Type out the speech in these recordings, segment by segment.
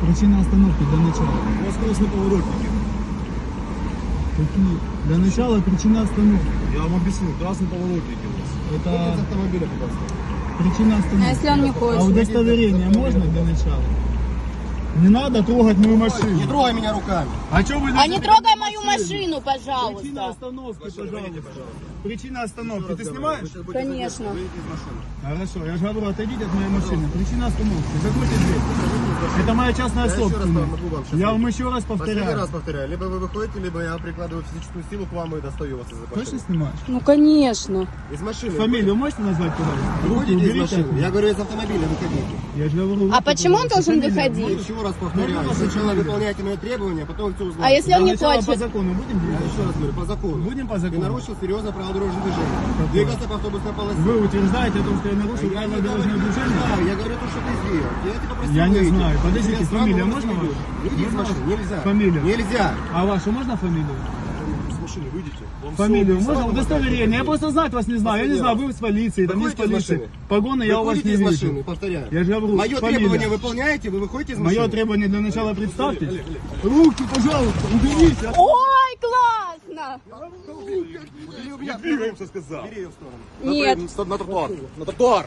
Причина остановки для начала. У вас красные поворотники. Какие? Для начала причина остановки. Я вам объясню, красные поворотники у вас. Это Из автомобиля, пожалуйста. причина А остановки. если он не А хочет? удостоверение можно для начала? Не надо трогать мою Не машину. трогай меня руками. А что вы А не трогай мою машину, Причина пожалуйста. остановки, Выйдите, пожалуйста. Причина остановки. Ты снимаешь? Конечно. Выйдите из машины. Хорошо, я же говорю, отойдите от моей машины. Причина остановки. Закройте дверь. Это моя частная Я еще раз собственность. могу вам сейчас Я вам сказать. еще раз Последний повторяю. раз повторяю. Либо вы выходите, либо я прикладываю физическую силу к вам и достаю вас из Точно машины. снимаешь? Ну, конечно. Из машины. Фамилию можете назвать, пожалуйста? Руки Выходите из уберите. машины. Я говорю, из автомобиля выходите. Я же говорю, А руки, почему он пожалуйста. должен Фамилия выходить? можете? Еще раз повторяю. Можно Сначала фамилию? выполняйте мои требования, потом все узнаете. А если он Для не начала по хочет? закону будем Я делать? еще раз говорю, по закону. Будем по Ты закону? нарушил серьезно правила дорожного движения. Двигался по автобусной полосе. Вы утверждаете о том, что я нарушил Я правила не дорожного говорю, движения? я говорю то, что ты сделал. Я тебя просил Я не выйти. знаю. Подождите, Тебя фамилия сразу можно выйдешь. ваша? Выйди из Можно машины. ваша? Нельзя. Фамилию? Нельзя. А вашу можно фамилию? С машины выйдите. Вам Фамилию всё можно? написано, Удостоверение. Я вам просто знать вас не знаю. Я не знаю, вы с полиции, там есть Выходите из полиция. машины. Погоны я у вас Выходите не из вижу. машины, повторяю. Я же говорю, Мое фамилия. требование выполняете, вы выходите из машины. Мое требование для начала представьтесь. Руки, пожалуйста, уберите. Ой, классно! Убери у меня. Двигаемся, сказал. Убери ее в сторону. Нет. На тротуар. На тротуар.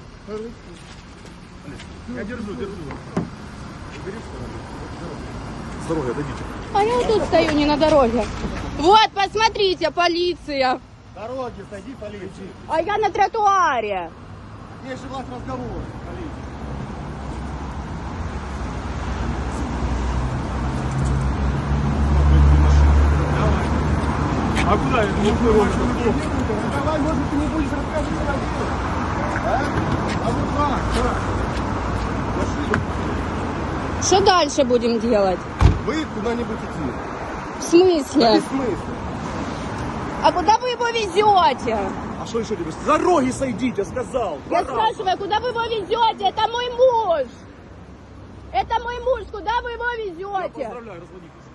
Я держу. С дороги отойдите. А я вот тут стою, не на дороге. Вот, посмотрите, полиция. Дороги, сойди, полиции. А я на тротуаре. Есть же власть разговора. А куда это? Давай, может, ты не будешь рассказывать о деле? А вот так. Что дальше будем делать? Вы куда-нибудь идти. В смысле? Без смысла. А куда вы его везете? А что еще тебе? С дороги сойдите, сказал. Я спрашиваю, куда вы его везете? Это мой муж. Это мой муж, куда вы его везете? Поздравляю, разводитесь.